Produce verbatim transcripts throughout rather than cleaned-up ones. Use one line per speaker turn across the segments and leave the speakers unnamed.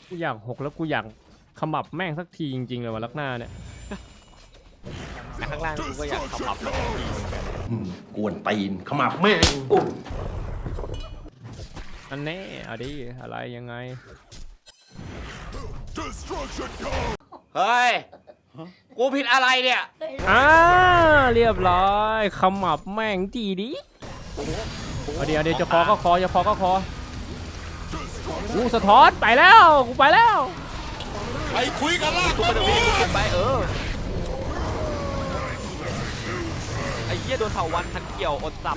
กูอยากหกแล้วกูอยากขมับแม่งสักทีจริงๆเลยว่ะลักหน้าเนี่ย
ข้างล่างกูก็อยากขมับแม่งทีเหมือนกัน
กวนตีนขมับแม่ง
อันนี้เอาดิอะไรยังไง
เฮ้ยกูผิดอะไรเนี่ย
อ่าเรียบร้อยขมับแม่งทีดิเอาเดี๋ยวเดี๋ยวจะคอก็คอจะคอก็คอกูสะท้อนไปแล้วกูไปแล้ว
ไปคุยกันล่ะ
กูไปเดี๋ยววิ่งไปเออไอ้เหี้ยโดนเถาวันทันเกี่ยวอดสับ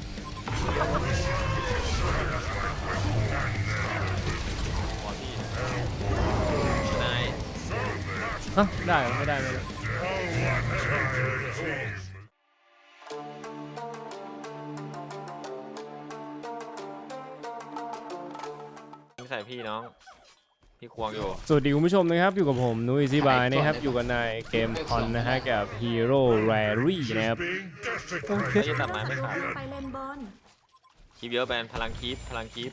นาย
ฮะได้ไม่ได้ไม่ได้
ใส่พี่น้องพี่ควงอยู่
สวัสดีคุณผู้ชมนะครับอยู่กับผมนุ้ยซีบายนะครับอยู่กันในเกมคอนนะฮะกับฮีโร่แรรี่นะครับ
ไม่จะตัดไม้ไม่ขาด
ไปเลนบอล
คีบเยอะแบนพลังคีบพลังคีบ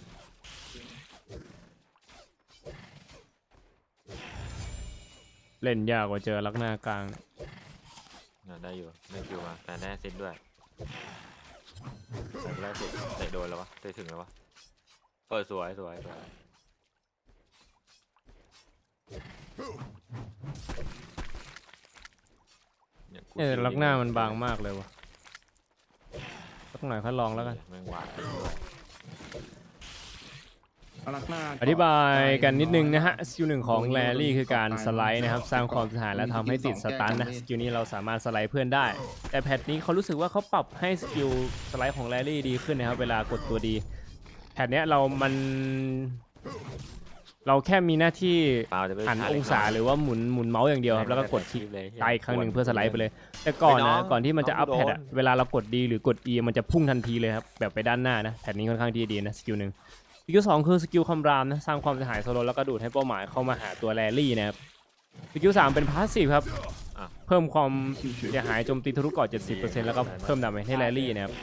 เล่นยากกว่าเจอลักหน้ากลาง
ได้อยู่ไม่คิวมาแต่แน่เซตด้วยแต่แรกสุดเตะโดนแล้ววะเตะถึงแล้ววะเออสวยสวยสวย
เนี่ยลักหน้ามันบางมากเลยวะสักหน่อยค่อยลองแล้วกัน
แมงวาดด้วย
อธิบายกันนิดนึงนะฮะสกิลหนึ่งของแรรี่คือการสไลด์นะครับสร้างความเสียหายและทำให้ติดสตันนะสกิลนี้เราสามารถสไลด์เพื่อนได้แต่แพทนี้เขารู้สึกว่าเขาปรับให้สกิลสไลด์ของแรรี่ดีขึ้นนะครับเวลากดตัวดีแพทเนี้ยเรามันเราแค่มีหน้าที่หันองศาหรือว่าหมุนหมุนเมาส์อย่างเดียวครับแล้วก็กดคลิกตายครั้งหนึ่งเพื่อสไลด์ไปเลยแต่ก่อนนะก่อนที่มันจะอัพแพทอะเวลาเรากดดีหรือกด E มันจะพุ่งทันทีเลยครับแบบไปด้านหน้านะแพทนี้ค่อนข้างดีดีนะสกิลหนึ่งสกิลสองคือสกิลคำรามนะสร้างความเสียหายโซโลแล้วก็ดูดให้เป้าหมายเข้ามาหาตัวแรรี่นะครับสกิลสามเป็นพาสซีฟครับเพิ่มความเสียหายโจมตีทะลุเกาะ เจ็ดสิบเปอร์เซ็นต์ แล้วก็เพิ่มดาเมจให้แรรี่นะครับ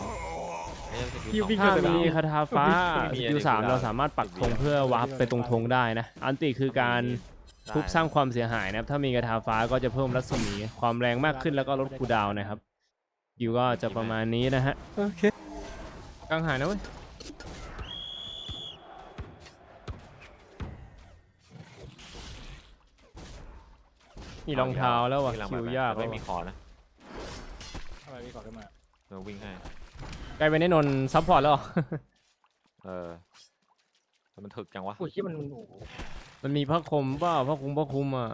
ถ้ามีคาถาฟ้าสกิลสามเราสามารถปักธงเพื่อวาร์ปไปตรงธงได้นะอันติคือการทุบสร้างความเสียหายนะครับถ้ามีคาถาฟ้าก็จะเพิ่มรัศมีความแรงมากขึ้นแล้วก็ลดคูลดาวน์นะครับสกิลก็จะประมาณนี้นะฮะโอเคกลางหายนะเว้ยนี่รองเท้าแล้วว่ะคิวยาก
ไม่มีคอนะ
อะไรมีคอขึ้นมา
เราวิ่งให้
กลายเป็นไอ้นนซัพพอร์ตแล้ว
เออมันถึกจังวะ
โอ้ยมัน
มันมีพระคมเปล่าพระคุมพระคุมอ่ะ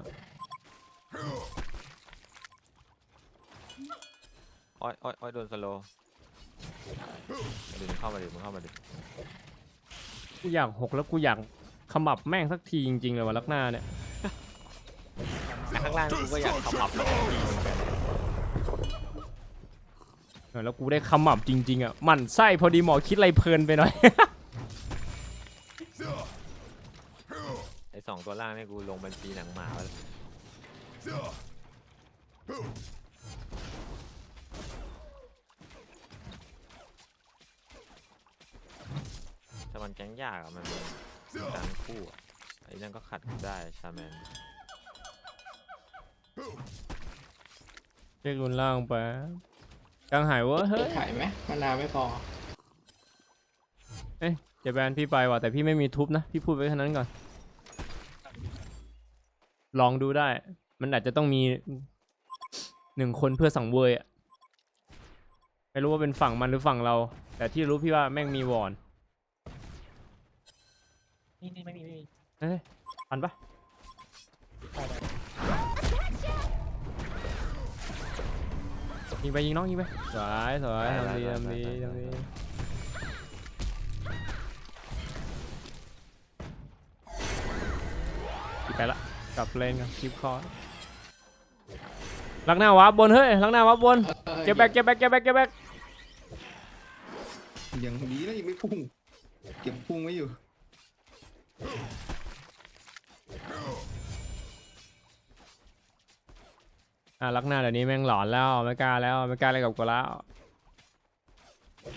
อ้อยอ้อยอ้อยโดนสโลว์ดึงเข้ามาดิมึงเข้ามาดิ
กูอยากหกแล้วกูอยากขมับแม่งสักทีจริงๆเลยว่ะลักหน้าเนี่ย
ข้างล่างกูก็อยากขมับแม่งทีเหมือนกัน
แล้วกูได้ขมับจริงๆอ่ะมันไส้พอดีหมอคิดอะไรเพลินไปหน่อย
ไอ้สองตัวล่างนี่กูลงบัญชีหนังหมาแล้วแต่มันแก๊งยากอ่ะมันการคู่อ่ะไอ้นั่นก็ขัดได้ชาแมน
เรียกรุนล่างไปกลางหายวะเฮ้ย
ถ่ายไหมมานาวไม่พอ
เอ๊ะจะแบนพี่ไปว่ะแต่พี่ไม่มีทุบนะพี่พูดไว้แค่นั้นก่อนลองดูได้มันอาจจะต้องมีหนึ่งคนเพื่อสังเวยอ่ะไม่รู้ว่าเป็นฝั่งมันหรือฝั่งเราแต่ที่รู้พี่ว่าแม่งมีวอน
นี่นี่ไม่มีไม่มี
เฮ้ยทันปะยิงไปยิงน้องยิงไปสวยสวยทำดีทำดีทำดีไปละกลับเลนกันคลิปคอลักหน้าวับบนเฮ้ยลักหน้าวับบนเก็บแบกเก็บแบกเก็บแบกเก็บแบก
ยังดีนะยังไม่พุ่งเก็บพุ่งไว้อยู่
อ่ะลักหน้าเดี๋ยวนี้แม่งหลอนแล้วไม่กล้าแล้วไม่กล้าอะไรกับกูแล้ว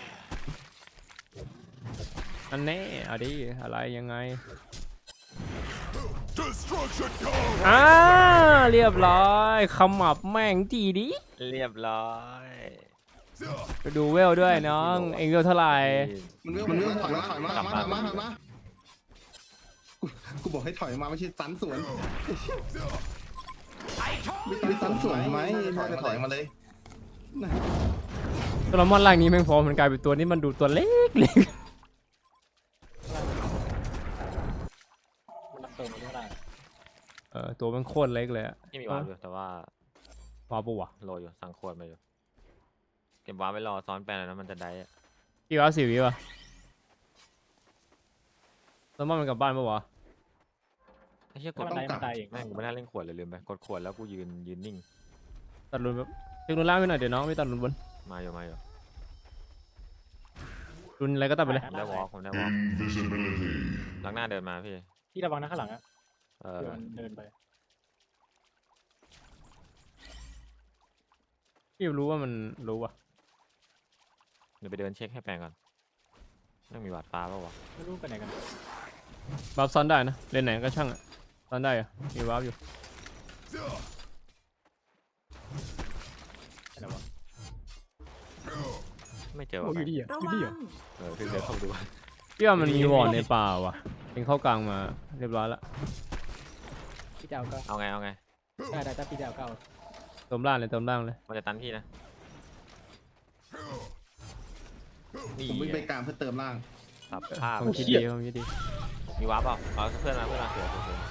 อันนี้เอาดิอะไรยังไงอ่าเรียบร้อยขมับแม่งจีดิ
เรียบร้อย
ไปดูเวลด้วยน้องเองเวลเท่าไหร่
มันเรื่องมันเรื่องถอยมาถอยมาถอยมาถอยมาถอยมากูกูบอกให้ถอยมาไม่ใช่สันสวนไม่สันสวนไหมถอยมาถอยมาเลย
ตัวละมอนล่างนี้แม่งพอมันกลายเป็นตัวนี้มันดูตัวเล็กเล็ก
มันรับเติมไม่ได้
เออตัวมันโคตรเล็กเลยอะ
ที่มีวาร์ปอยู่แต่ว่า
ว้าวปะวะ
โรยอยู่สั่งขวดมาอยู่เก็บวาร์ปไว้รอซ้อนแปลนแล้วมันจะได้อะ
กี่ว้าวสี่วิวะตัวมอนมันกลับบ้านปะวะ
ไอ้เหี้ยก
ถ้า
ด
มันได้มันตายเอง
แม่งกูไม่น่าเล่นขวดเลยลืมไปกดขวดแล้วกูยืนยืนนิ่ง
ตัดรุนแบบเช็ครุนล่างไปหน่อยเดี๋ยวน้องไม่ตัดรุนบน
มาอยู่มาอยู่
รุนอะไรก็ตัดไปเลย
ผมได้วอล์กผมได้วอล์กหลังหน้าเดินมาพี่
พี่ระวังนะข้างหลังอ่ะ
เออ
เดินเดินไป
พี่รู้ว่ามันรู้ว่ะ
เดี๋ยวไปเดินเช็คให้แปลงก่อนไม่งมีหวาดฟ้าเปล่าวะ
ไม่รู้ไปไหนกัน
บัฟซ้อนได้นะเล่นไหนก็ช่างอะซ้อนได้อะมีบัฟอยู่
อะไรวะ
ไม่เจอ
โอ้
วะ
ยอยู่ดีอ่ะ
ระ
อยู่
วั
ดี
ง
อ่ะ
เออพี่เดินเข้าไปดู
พี่ว่ามันมีวอร์ดในป่าว่ะเองเข้ากลางมาเรียบร้อยละ
พี่จะเอาก็
เอาไงเอาไง
ได้ได้ถ้าพี่จะเอาก็เอา
เติมล่างเลยเติมล่างเลย
มันจะตันพี่นะนี่
ผมวิ่งไปกลางเพื่อเติมล่าง
ตับภาพ
ผมคิดดีผมคิดดี
มีวาร์ปเปล่าเอาเพื่อนมาเพื่อนมาเสือเสือเสือ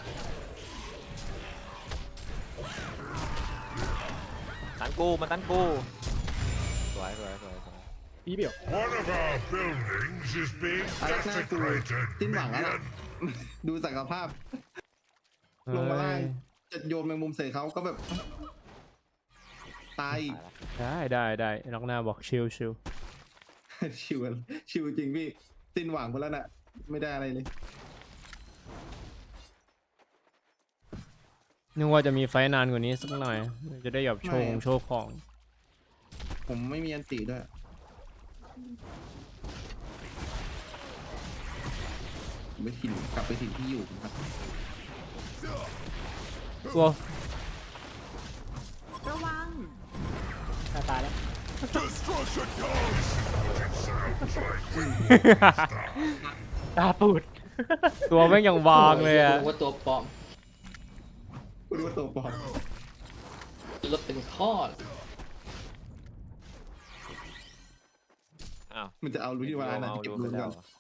ตันกูมาตันกูสวยสวยสวยสวย
พี่เบี้ยว
One of our buildings is being
อารักหน้ากู
desecrated.
สิ้นหวังแล้วล่ะดูศักยภาพ ลงมาล่างจะโยนแมงมุมใส่เขาก็แบบ ตายอีก
ตายละ
ได้ได้ได้นอกหน้าบอกชิลชิล
ชิวชิวจริงพี่สิ้นหวังไปแล้วน่ะ ไม่ได้อะไรเลย
นึกว่าจะมีไฟนานกว่านี้สักหน่อยจะได้แบบโชว์ของโชว์ของ
ผมไม่มีอันติด้วยผมไปถิ่นกลับไปถิ่นที่อยู่ครับ
ตัว
ระวัง
ตายตายแล้ว
Destruction comes.
ตาปูด
ตัวแม่งยังบางเลยอะ
ว่าตัวปลอม
กูดูว่าตัวปลอม
รถเป็นข้อ
อ้าว
มันจะเอารู้ที่ว่าน่ะ
เอา
เก็บ
ดู
รู
ไป
น
แล้
ก่อ
วน เหรอบ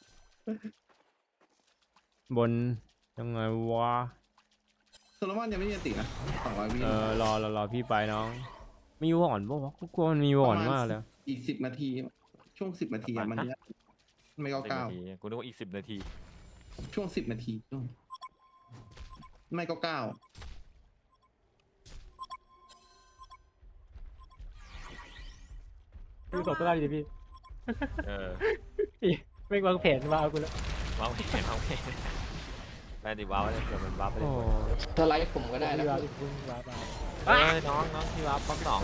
นยังไงวะ
โซโลมอนยังไม่มีอันตินะสองร้อยวิ
เออรอรอรอพี่ไปน้องมีวอนปะวะกูกลัวมันมีวอนมากเลย
อีกสิบนาที ช่วงสิบนาทีอะมันเนี่ยไม่เก้า
สิบ
เก้า
นาทีกูนึกว่าอีกสิบนาที
ช่วงสิบนาทีช่วงไม่เก้าเก้า
ดูศพตัวได้ดิพี่
เออ
พี่ไม่วางแผนมาเอากูแล้ว
วางไม่เห็นวางไม่เห็นแปลดิว้าวเลยเดี๋ยวมันว้าวไปเล
โอ้
ย
สไลด์ผมก็ได้นะ
พี่วาพี่พึ่งวาไป
เอ้ยน้องน้องที่ว้าวป๊อกสอง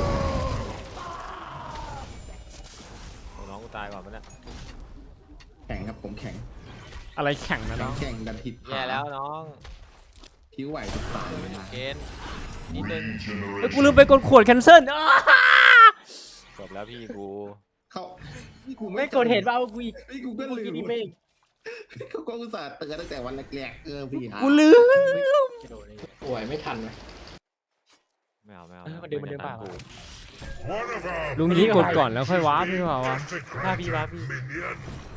โอ้น้องกูตายก่อนปะเนี่ย
แข็งครับผมแข็ง
อะไรแข่งนะ
แข็
น้
ง
อง
แข็งดันผิด
แย่แล้วน้อง
ผิวไหวทุกสายเลย
เกณฑ์นิดนึง
เฮ้ยกูลืมไปกดขวดแคนเซิล
จบแล้วพี่กู
เขานี่กู
ไม่กดเห็นว่าเอากูอีก
นี่กูก็
เมื่อ
ลื
กี้
ม
นี่ไม่
เขาก็อุตส่าห์เตือนตั้งแต่วันแรกๆเออพี่ฮะ
กูลืม
กระโดดเลย
ป่วยไม่ทันเลย
ไม่เอาไม่เอา
เออมันเดินมันเดิน
ไ
ป่าว
One of our
ลุงนี้กดก่อนแล้วค่อยวาร์ปพี่เปล่าวะ
desecrated minion.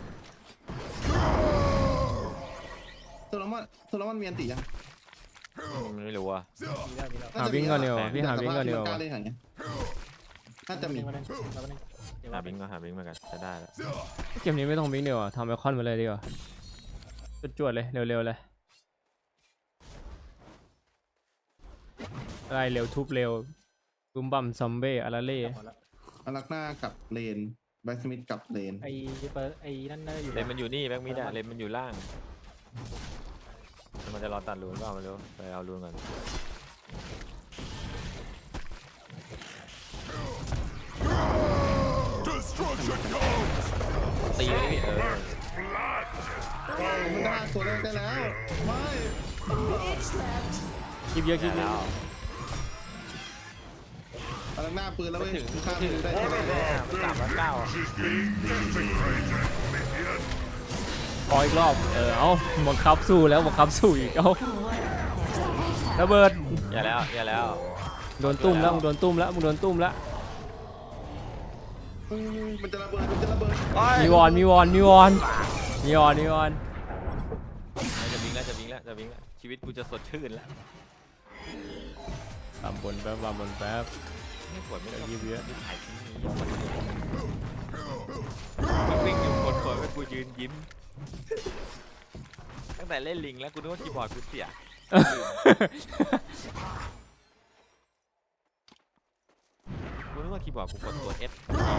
โซโลมอนโซโลมอนมีอันติยัง
มันไม่รู้อ่ะ
มีแล้วมีแล้ว
หาวิ่งก่อนเดียวาพี่หาวิ่งก่อนเดียว
กล้า
า
เล่นอย่างเงี้ยน่าจะมี
มาหนึ่งมาหนึ่งเดี๋ยว
หา
ว่า
บิงก็หาบิงเหมือนกันจะได้แล้ว
เกมนี้ไม่ต้องวิ่งเดียวาทำไอคอนมาเลยดีกว่าจวดๆเลยเร็วๆเลยไล่เร็วทุบเร็วบุมบัมซอมเบ้อาราเล่
หมดแล้ว
อารักหน้ากับเลนแบ็กสมิธกับเลน
ไอ้เปิดไอ้นั่นน่าจะอยู่
เลนมันอยู่นี่แบ็กมิดอะเลนมันอยู่ล่างมันจะรอตัดรูนก็เอามาเร็วไปเอารูนก่อนตีเลยพี่เออ
มันได้ตัวเล่นได้แล้ว ไม่
คลิปเยอะคลิปเย
แล้
อะ
ว
กำลังหน้าปืนแล้วเว้ยข้ามปืนได้
มันสามร้อยเก้า
is being desecrated, minion.
ขออีกรอบเออเอาบังคับสู้แล้วบังคับสู้อีกเอาระเบิด
อย่าแล้วอย่าแล้ว
โดนตุ้มแล้วมึงโดนตุ้มแล้วมึงโดนตุ้มแล้ว
มันจะระเบิดมันจะระเบิด
มีวอนมีวอนมีวอนมีวอนมีวอน
จะวิ่งแล้วจะวิ่งแล้วจะวิ่งแล้วชีวิตกูจะสดชื่นแล้ว
ตามบนแป๊บตามบนแป๊บ
ไม่ปวดไม่
เดี๋ยว
ต้อง
ยิบเยอะ
ถ่ายทิ้งนี้วิ่งอยู่คนคนๆกูยืนยิ้มตั้งแต่เล่นลิงแล้วกูนึกว่าคีย์บอร์ดกูเสียกูนึกว่าคีย์บอร์ดกูกดตัว F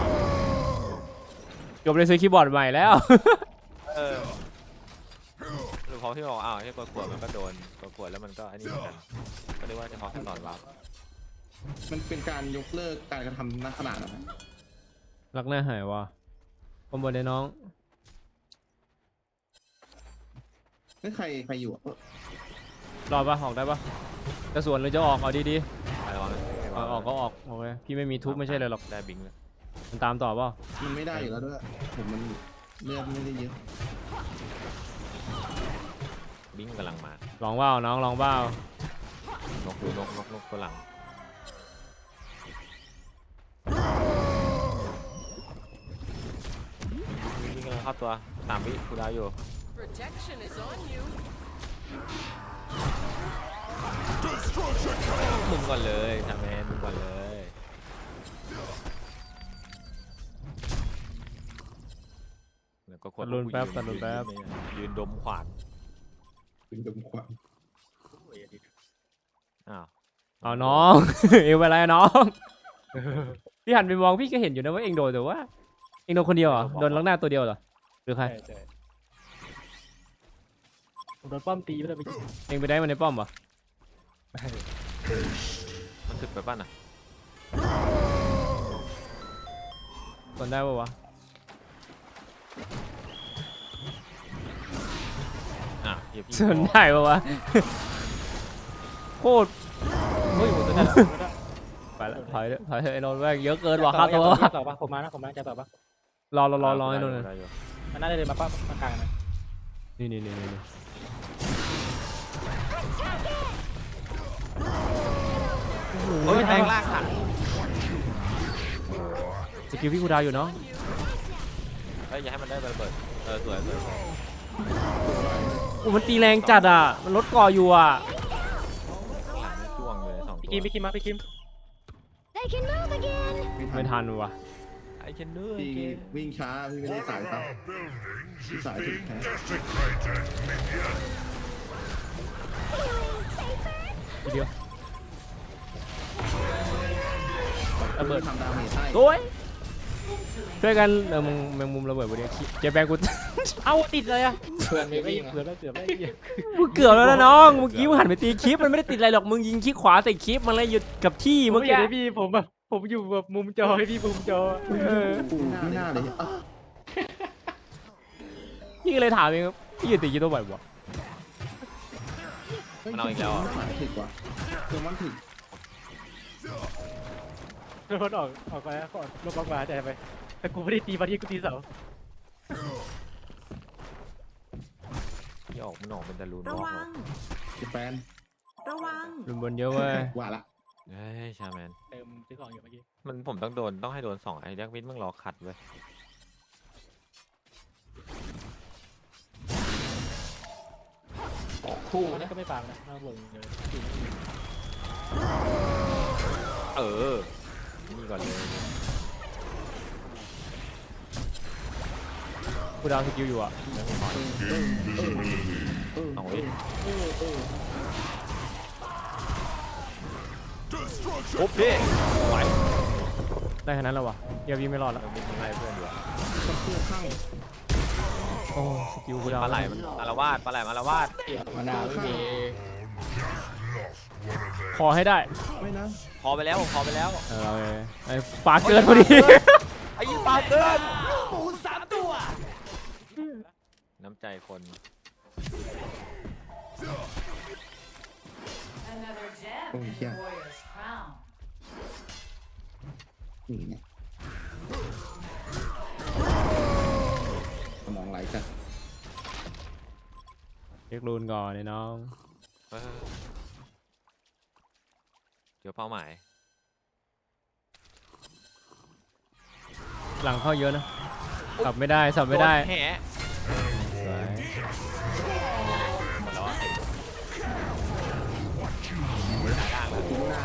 จบเลยซื้อคีย์บอร์ดใหม่แล้ว
เออหรือพอที่บอกอ้าวที่กดขวดมันก็โดนกดขวดแล้วมันก็อันนี้เหมือนกันก็เรียกว่าจะพอขั้นตอนวาร์ป
มันเป็นการยกเลิกการกระทำณขนาดนั้น
รักหน้าหายว่ะคอมบนเลยน้อง
นี่ใครใครอยู่อ่ะ
รอดปะออกได้ปะจะสวนหรือจะออกเอาดี
ไปลองนะ
ๆเอาออกก็ออกโอเคพี่ไม่มีทุบไม่ใช่เลยหรอก
ได้บิงเลย
มันตามต่อเปล่า
มันไม่ได้อยู่แล้วด้วยผมมันเลือดไม่ได้เยอะ
บิงกำลังมา
ลองว่าวน้องลองว่าวน
กดูนกนกนกตัวหลังบิงกำลังเข้าตัวสามวิกูดาวอยู่
Protection is on you.
มึงก่อนเลยทำแมนมึงก่อนเลยแล้วก็คน
ตัดรุนแป๊บตัดรุนแป๊บ
ยืนดมขวาน
เป็นดมควัน
อ้าว
เอาน้อง เอวอะไรอะน้อง พี่หันไปมองพี่ก็เห็นอยู่นะว่าเองโดนแต่ว่าเองโดนคนเดียวเหรอโดนลักหน้าตัวเดียวเหรอหรือใคร
ใช่ใช่ผมโดนป้อมตีไปเลยไป
เองไปได้มันในป้อมปะ
มันถึกไปป่ะน่ะ
กดได้ปะวะ
อ่ะเดี๋ยวพี่
ส่วนได้ปะวะ โคตร
เฮ้ยผมจะได้
ไปละถอยเถอะถอยเถอะไอ้นนท์แม่งเยอะเกินว่ะค่าตัว
ต่อปะผมมานะผมมาจะต่อปะ
รอรอรอรอไอ้นนท์
ได้อยู่
มันน่าจะเดินมาป้ามากลางนะ
นี่นี่นี่นี่
เฮ้ยแทงล่างค่ะ
สกิลพี่กูดาวอยู่เนาะ
เฮ้ยอย่าให้มันได้ระเบิดเออสวยสวย
อู้มันตีแรงจัดอ่ะมันลดก่ออยู่อ่ะ
หลังจ้วงอยู่ในสอง
พี่
ตัว
คิมพี่คิมมาพี่คิม
They can move again.
ไม่ทันว่ะ
ไอ้เคนเนอร์
พี่วิ่งช้าพี่ไม่ได้สาย
One of
ซับ
our buildings is
Sorry,
being
okay.
desecrated, minion.
ทีเดียวระเบิด
ทำดาเมจให้
โอ้ยช่วยกันเออมึงแมงมุมระเบิดบนนี้เจ๊แบงกู
เอาติดเลยอะ
เพื่อนไม่
ไม่
วิ่ง
เกือบ
อะ
แล้วเกือบแล้ว
มึงเกือบแล้วนะน้องเมื่อกี้มึงหันไปตีคลิปมันไม่ได้ติดอะไรหรอกมึงยิงคลิกขวาใส่คลิปมันเลยหยุดกับที่
ผม
เมื่อ
ไม่
กี้
เห็นพี่ผมแบบผมอยู่แบบมุมจอให้พี่มุมจอ
เออ
ไม่น่าเลยอ่ะ
พี่ก็เลยถามเองครับพี่อยู่ตีกี่ตัวบ่อยวะ
มันเอาอีกแล้วอ่ะ
สายถึกว่ะคือมันถึก
รถออกออกไปก่อนรถบล็อกมาใจไปแต่กูไม่ได้ตีบอดี้กูตีเสา
ที่ออกมันออกเป็นตะลูน
ระ
บล็อก
วั
เหรอง
จะแปน
ระวัง
รุนบนเยอะเว้ย
ว่าละ
เฮ้ยชาแมน
เติมซื้อของอยู่เมื่อกี้
มันผมต้องโดนต้องให้โดนสองไอ้ยักษ์วิทย์มึงรอขัดเว้ย
ออกคู่
นั่
นะ
นก็ไม่ฟาร์มนะน่าเบิ่งเลย
เออนี่ก่อนเลย
กูดาวสกิลอยู่อ่ะ
สองวิ
Destruction.
โอ้พี่ไหว
ได้ขนาดนั้นแล้ววะเดี๋ยววิ่งไม่รอดแล้ว
มันมีอะไรเพื่อนอยู่อะ
กับเพื่อนข้าง
โอ้สกิลกูดาว
ปลาไหลมันอารวาสปลาไหลมันอารวาส
เกี่ยวมานาวไม่มี
ขอให้ได้
ไม่นะ
พอไปแล้วพอไปแล้ว
เออไอ้ปลาเกินพอดี
ไอ้ปลาเกินน้ำใจคน
โอ้ยเฮียนี่ไงสมองไหลจัด
เช็ครูนก่อนไอ้น้อง
เออเจอเป้าหมาย
หลังเข้าเยอะนะสับไม่ได้สับไม่ได้
โนแหะ
สวย
หมดแล้วอะ
ดูหน้า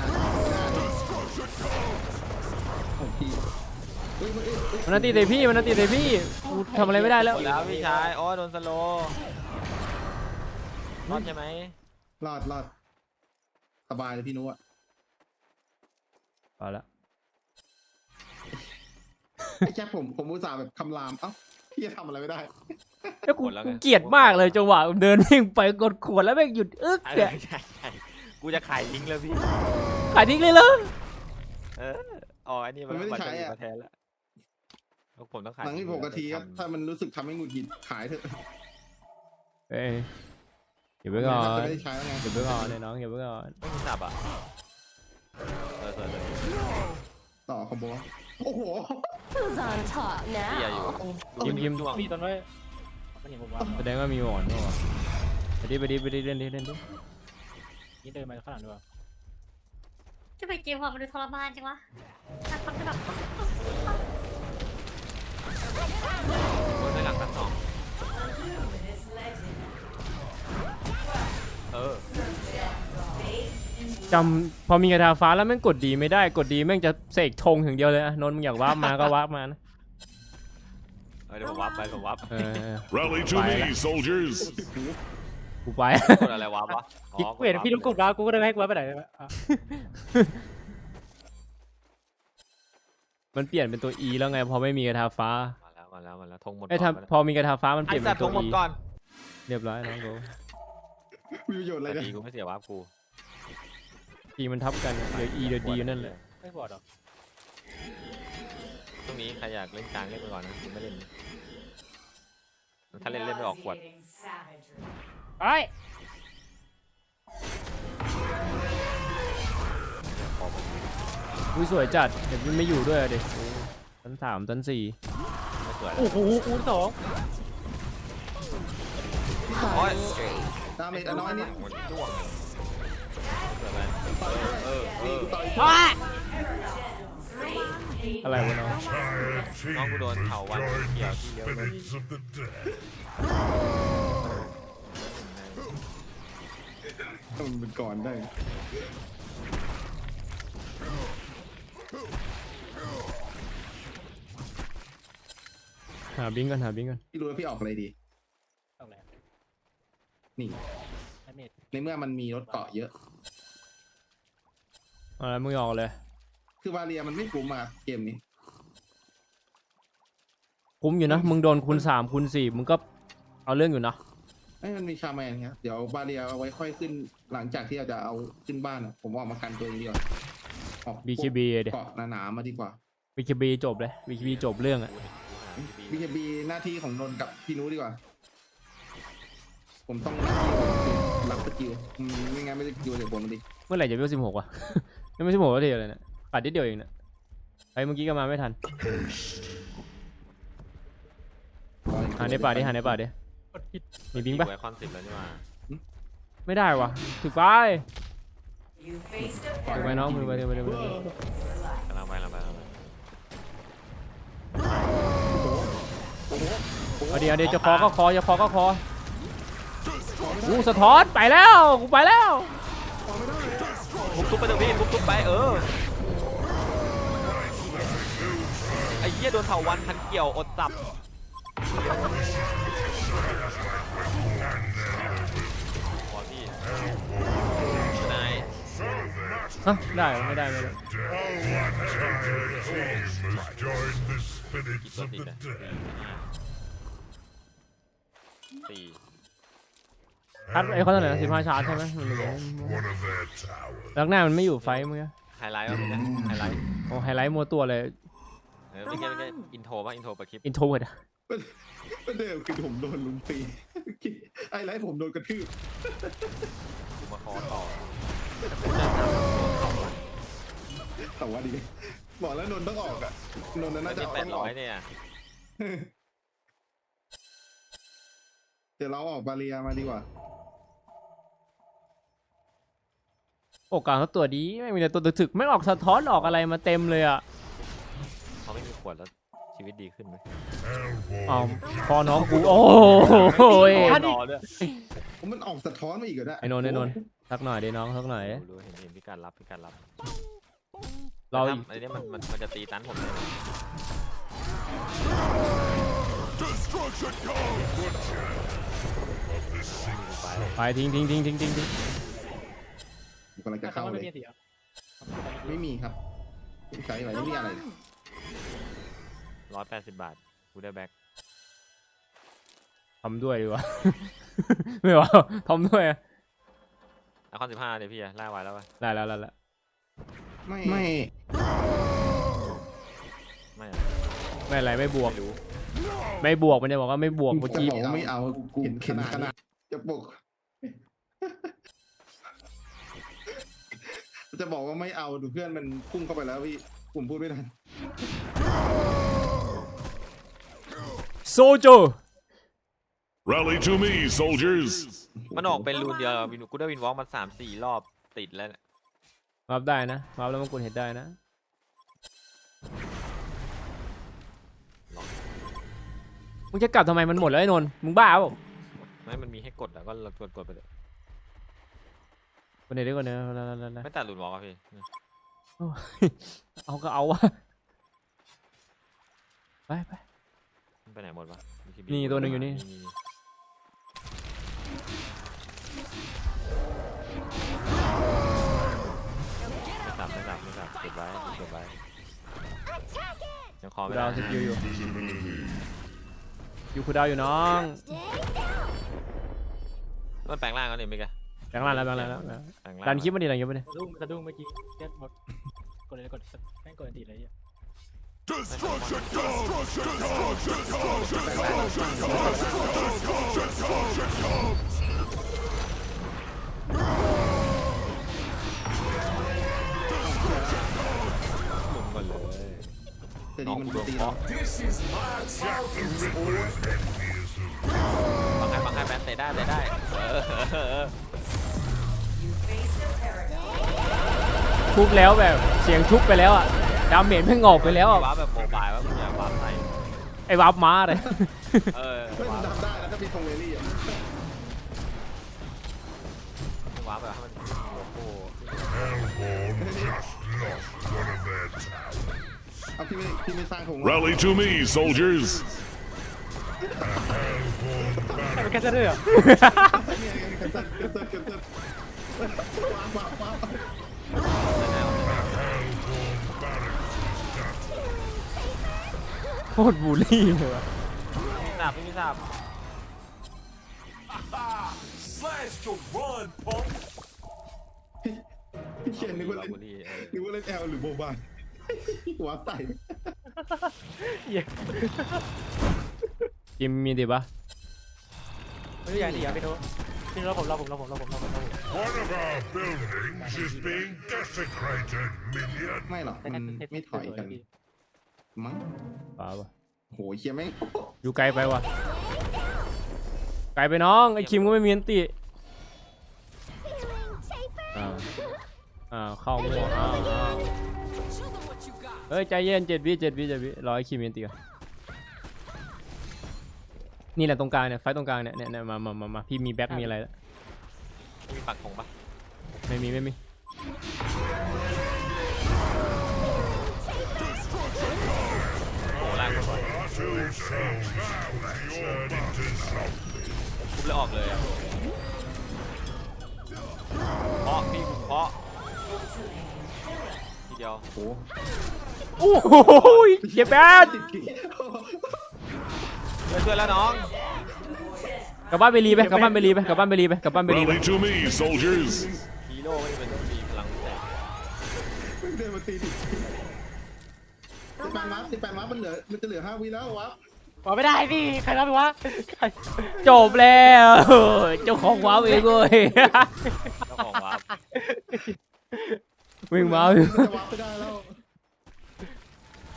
โอ้พี่เฮ้ยเฮ้ยเฮ้ยเฮ้ย
มันนาตีเตะพี่มันนาตีเตะพี่กูทำอะไรไม่ได้แล้ว
หมดแล้วพี่ชายโอ้โดนสโลว์รอดใช่ไหม
รอดรอดสบายเลยพี่นุ๊กอะ
เอาละ
ไอ้แค่ผมผมอุตส่าห์แบบคำรามเอ้าพี่จะทำอะไรไม่ได้
แล้วกูกูเกลียดมากเลยจังหวะเดินวิ่งไปกดขวดแล้วแม่งหยุดอึ๊ก
ใช่
เนี่ย
ใช่ใช่กูจะขายทิ้งแล้วพี่
ขายทิ้งเลยเหรอ
เอออ๋ออันนี้มัน
มันไม่ได้ใช้อะ
มาแทนแล้วผมต้องขาย
หลังที่หกนาทีครับถ้ามันรู้สึกทำให้หงุดหงิดขายเถอะ
เอ้ยเดี๋ยวไปก่อน
จะไม่ได้ใช้แล้วไง
เดี๋ยวไปก่อนไอ้น้องเดี๋ยวไปก่อน
ไม่มีสับอ่ะเออเออเออ
ต่อคอมโบโอ้โห
Who's on top
พี่อย่า
now?
อยู่
ยิ้มยิ้ม
จ้วง
มีต้นไว้มันเห็นผมว่า
แสดงว่ามีหมอนด้วยไปดิไปดิไปดิเล่นดิเล่นดิ
นี่เดินมาข้างหลังด้วย
จะไปเกมความมันดูทรมานจังวะถ้าคนจะแบบ
โดนไปหลังทั้งสองเออ
จำพอมีกระทาฟ้าแล้วแม่งกดดีไม่ได้กดดีแม่งจะเสกธงอย่างเดียวเลยอะนนท์มึงอยากวาร์ปมาก็วาร์ปมานะ
เออเดี๋ยวผมวับไปผมวับ
เออ
Rally to
Bye.
me, soldiers.
กูไป
กดอะไรวับวะอ๋อ
กูเห็นพี่ลูกกดมากูก็เลยให้กูไปไหนอ่ะ
มันเปลี่ยนเป็นตัว E แล้วไงพอไม่มีกระทาฟ้า
มาแล้วมาแล้วมาแล้วธงหมด
ไอ้ย
ก่อน
ทำพอมีกระทาฟ้ามันเป
ไอ้
ลี่ยน
สั
เป็
ต
น
ว์ธ
ตัว
งหมด
E
ก่อน
เรียบร้อยน้องกู
มีประโยชน์อะไร
แต่
เนี่ย
ดีกูไม่เสียวับกู
E มันทับกันเหลือ E เดี๋ยว D นั่นแหละ
ไม่บอดหรอ
ช่วงนี้ใครอยากเล่นกลางเล่นไปก่อนนะกูไม่เล่นถ้าเล่นเล่นไม่ออกขวด
ไอ้
อุ้ยสวยจัดเดี๋ยวมันไม่อยู่ด้วยอะเด็กชั้นสามชั้นสี่
ไม่สวยแล้ว
โอ้โหคูณสอง
โอ้ย
ดาเมจน้อยนิด
หมดจ้วงเกิดอะไร
ต่อย
เออเอ
นี่
อ
กูต่อย
อะไรวะน้อง
Entire
Nó có
team
đồ
has
thầu anh
joined
kìa,
the
kìa, kìa.
spirits of the dead.
มันเป็นก่อนได้
หาบิงก่อนหาบิงก่อน
พี่รู้ว่าพี่ออกอะไรดี
ต้องแหละ
นี่
ไอ้เมด
ในเมื่อมันมีรถเกาะเยอะ
เอะไรมึงออกเลย
คือวาเรียมันไม่คุ้มมาเกมนี้
คุ้มอยู่นะมึงโดนคูณสามคูณสี่มึงก็เอาเรื่องอยู่นะ
ไอ้ยมันมีชาแมนครับเดี๋ยววาเรียเอาไว้ค่อยขึ้นหลังจากที่เราจะเอาขึ้นบ้านอะผมออกมากันตัวเองดีกว่าออก
บี เค บีเดี๋ยว
เกาะหนาๆมาดีกว่า
บี เค บี จบเลย บี เค บี จบเรื่องอะ
บีเคบีหน้าที่ของนนท์กับพี่นุ้ดีกว่า ผมต้องหน้าที่ของผมคือรับสกิลอืมไม่งั้นไม่ได้สกิลเดี๋ยวผมมันดิ
เมื่อไหร่จะเวลสิบหกวะ ยังไม่สิบหกก็ทีเลยเนี่ยปัดนิดเดียวเองเนี่ยไอ้เมื่อกี้ก็มาไม่ทันหาในป่าดิหาในป่าดิ
กดผิด
มีบิงปะ
ไว้คอนสิบแล้วนี่มา
ไม่ได้วะถึกไปถึกไปน้องมือไปเดี๋ยวไปเดี๋ยวไปเดี๋ยว
กำลังไปกำลังไปกำลังไป
เอาเดี๋ยวเดี๋ยวจะคอก็คอจะคอก็คอกูสะท้อนไปแล้วกูไปแล้ว
ทุบทุบไปเถอะพี่ทุบทุบไปเออไอ้เหี้ยโดนเถาวันพันเกี่ยวอดจับพอพี่นาย
ฮะได้เหรอไม่ได้ไม่ได้
Our entire team has joined the spirits
กี่ตัว
of
ติด
the
อ่ะ
dead.
สี่
ชาร์จไอ้เขาเท่าไหร่นะสิบห้าชาร์จใช่ไหมมันเหลือ
One of their towers.
แล้วหน้ามันไม่อยู่ไฟมึงอะ
ไฮไลท์วะพี่นะไฮไลท์
โอ้ไฮไลท์มัวตัวเลย
เออไม่ใช่ไม่ใช่อินโทรป่ะอินโทรปะคลิป
อินโทรเวิร์ดอะ
ประเดิมคือผมโดนลุมตี ไอ้ไรผมโดนกระทืบ
กูมาคอต่อแต่กูจะทำ
แต่ว่าดีบอกแล้วนนท์ต้องออกอ่ะนนท์น่าจะ
แป
ต้
ด
องอ
ร้
อ
อก ยเนี่ย
เดี๋ยวเราออกบาเรียมาดีกว่า
โอกาสเขาตัวดีไม่มีแต่ตัวถึกๆไม่ออกสะท้อนออกอะไรมาเต็มเลยอ่ะ
เขาไม่มีขวดแล้วชีวิตดีขึ้นไหม
อ้าวพอน้องกูโอ้โหย
รอด้วย
ผมมันออกสะท้อนมาอีกเหรอเนี่ย
ไอ้นนท์ไอ้นนท์สักหน่อยดิน้องสักหน่อย
รู้เห็นเห็นพี่การรับพี่การรับ
เรา
แต่ถ้ไอ้เนี่ยมันมันมันจะตีตันผมเลย
Destruction comes! Good chance. Of this single
ไป
ไปทิ้งทิ้งทิ้งทิ้งทิ้งทิ้ง
ผมกำลังจะ
แต่เขา
เข้า
ไม่
เล
มี
ย
เสีย
ไม่มีครับไม่ใช้อะไรไม่มีอะไร
ร้อยแปดสิบบาทกูได้แบ็ค
ทำด้วยดีกว่า ไม่ว่าทำด้วยอะ
ไอคอนสิบห้าเดี๋ยวพี่อะล่าไว้แล้วป่ะ
ได้แล้วแล้วแล้ว
ไม่ไม่
ไม่อะ
ไม่อะไรไม่บวก
ไม่รู้
ไม่บวกมันจะบอกว่าไม่บวกเมื่อ
จะ
กี้
บอกว่าไม่เอากูเห็นขนาดจะบอกจะบอกว่าไม่เอาดูเพื่อนมันพุ่งเข้าไปแล้วพี่ผมพูดไม่ทัน
โซโจ
Rally to me, soldiers!
มันออกเป็นรูนเดียววินกูได้วินวอล์กมาสามสี่รอบติดแล้วเนี่ย
รับได้นะรับแล้วมันกดเห็นได้นะมึงจะกลับทำไมมันหมดแล้วไอ้นนท์มึงบ้าเปล่า
ไม่มันมีให้กดอะก็กดกดไปเลย
คนไหนดีกว่านี้แล้วแล้วแล้ว
ไม่ตัดรูนวอล์กอะพี่
เอาก็เอาวะไปไป
มันไปไหนหมดวะมีที
นี่ตัวหนึ่งอยู่นี่
ไม่สับไม่สับไม่สับเก็บไว้เก็บไว้ยังคอไม่
ดา
ได้
วสกิลอยู่อยู่คูดาวอยู่น้อง
มันแปลงร่างแล้วนี่มิกอะ
แบงค์ล่างแล้วแบงค์ล่างแล้ว
แปลงร่าง
ดันคลิปมาดิดันคลิปมาดิ
สะดุ้งสะดุ้งเมื่อกี้เจ็ดหมดกดเลยกดแม่งกดอันตีเลยอ่ะ
Destruction comes! Destruction comes! Destruction comes! Destruction comes!
หมุนก่อนเลย
แต่
น้
ดี
อง
มัน
กูโดน
ตี
เคาะ
Jack the Ripper is envious of
บังให้บังให้แมนเตะได้เตะได้เออเออเออ
ทุบแล้วแบบเสียงทุบไปแล้วอ่ะดาเมจไม่งอกไปแล้วอ่ะ
ว้าแบบโมบายว่ามึงอย่าว้าใส่
ไอ้วาร์ปม้าเลย
เออ
ไม่มันทำได้แล้วก็มีทงเลลี่อ่ะ
ว้าแบบให้มันโลโก้
Hellborn just lost one of their towers.
เอาพี่ไม่พี่ไม่สร้างธง
Rally to me, soldiers!
แต่เป็นแค่เสื้อเหรอ
เนี่ยเกันเซิร์เกันเซิร์เกันเซิร์ว้าวว้าวว้าว
โคตรบูลลี่เลยวะ
ไม่ทราบไม่ทราบ
พี่เขียนนึกว่าเล่น
บุรีเออ
นึกว่าเล่นแอลหรือโบบายว้าวใส่
เหี้ย
จิมมีดิปะ
ไม่ได้อย่างดีอ่ะพี่โน้พี่โน้ผมรอผมรอผมรอผมรอผมรอผม
One of our buildings is being desecrated, minion!
ไม่หรอกมันไม่ถอยกันมั้ง
ป่าวะ
โหเคียแม่ง
อยู่ไกลไปวะไกลไปน้องไอ้คิมก็ไม่มีอันติอ้าวอ้าวเข้ามั่วอ้าวอ้าวเฮ้ยใจเย็นเจ็ดวิเจ็ดวิเจ็ดวิรอไอ้คิมมีอันติก่อนนี่แหละตรงกลางเนี่ยไฟตรงกลางเนี่ยเนี่ยมามามามาพี่มีแบ็คมีอะไรแล้ว
มีปักธงปะ
ไม่มีไม่มี
โอ้ล่างกูสวย
Two souls turned into zombie.
ทุบเลยออกเลยอ่ะเคาะพี่กูเคาะทีเดียว
โห
โอ้โหเจ็บแบด
ติดกี่
เพื่อนแล้วน้อง
กลับบ้านไปรีไปกลับบ้านไปรีไปกลับบ้านไปรีไปกลับบ้านไปรีไป
Rally to me, soldiers!
ฮีโร่ไม่จำเป็นต้องมีพลังแสง
เดินมาตีติดสิบแปดวับสิบแปดวับมันเหลือมันจะเหลือห้าวิแล้ววับ
บอกไม่ได้พี่ใครรับไปวะใคร
จบแล้วเจ้าของว้าวเองเว้ย
เจ้าของวาร์ป
วิ่งว้าว
จะวับไม่ได้แล้ว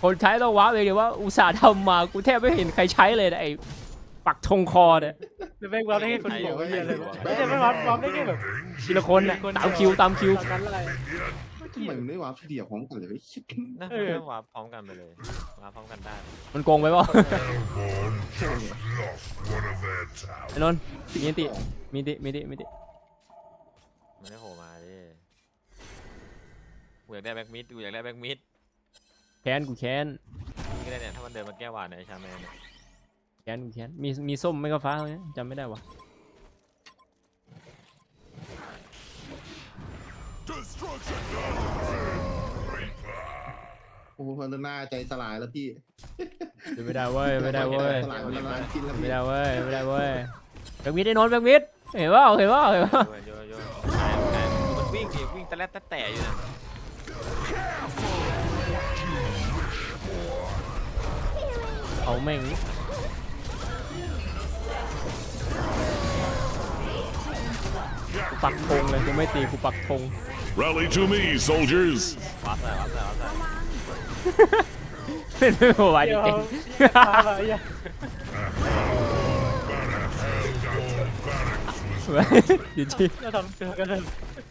คนใช้ต้องว้าวเลยเดี๋ยวว่าอุตส่าห์ทำมากูแทบไม่เห็นใครใช้เลยนะไอ้ปักธงคอเนี่ย
จะแม่งวาร์ปได้แค่คนเดียวไอ้เหี้ยเลยไม่ใช่ไม่วาร์ปวาร์ปได้แค่แบบ
ทีละคนน่ะตามคิวตามคิว
ตามนั้นอะไร
ทำไมมันไม่วาร์ปทีเดียวพร้อมกันเลย
นะ
เออ
เพื่อนวาร์ปพร้อมกันไปเลยมาพร้อมกันได้
มันโกงไปเปล่า
Hellborn just lost one of their towers.
ไอ้นนท์มีติมีติมีติมีติ
มันได้โผล่มาดิกูอยากได้แบ็กมิดกูอยากได้แบ็กมิด
แค้นกูแค้น
นี่ก็ได้เนี่ยถ้ามันเดินมาแก้วานเนี่ยไอ้ชาแมนเนี่ย
แค้นกูแค้นมีมีส้มไม่ก็ฟ้าเนี่ยจำไม่ได้วะ
Destruction!
โอ้โหพันหน้าใจสลายแล้วพี่
ไม่ได้เว้ยไม่ได้เว้ย
สลายมันละลายกินแล้ว
ไม่
พี่
ได้เว้ยไม่ได้เว้ยแบงค์มิดไอ้นนท์แบงค์มิดเห็นว่าเห็นว่าเห็นว่า
โยนโยนโยนได้ได้มันวิ่งดิวิ่งตะแลดตะแต่อยู่นะ
เอาแม่งกูปักธงเลยกูไม่ตีกูปักธง
Rally to me, soldiers!
วับใส่วับใส่วับใส่
เล่นไม่ไหวจ
เดี๋ยว
ริง
ตายละไอ้เหี้ย
ๆจริง
เราทำตัวกันเลย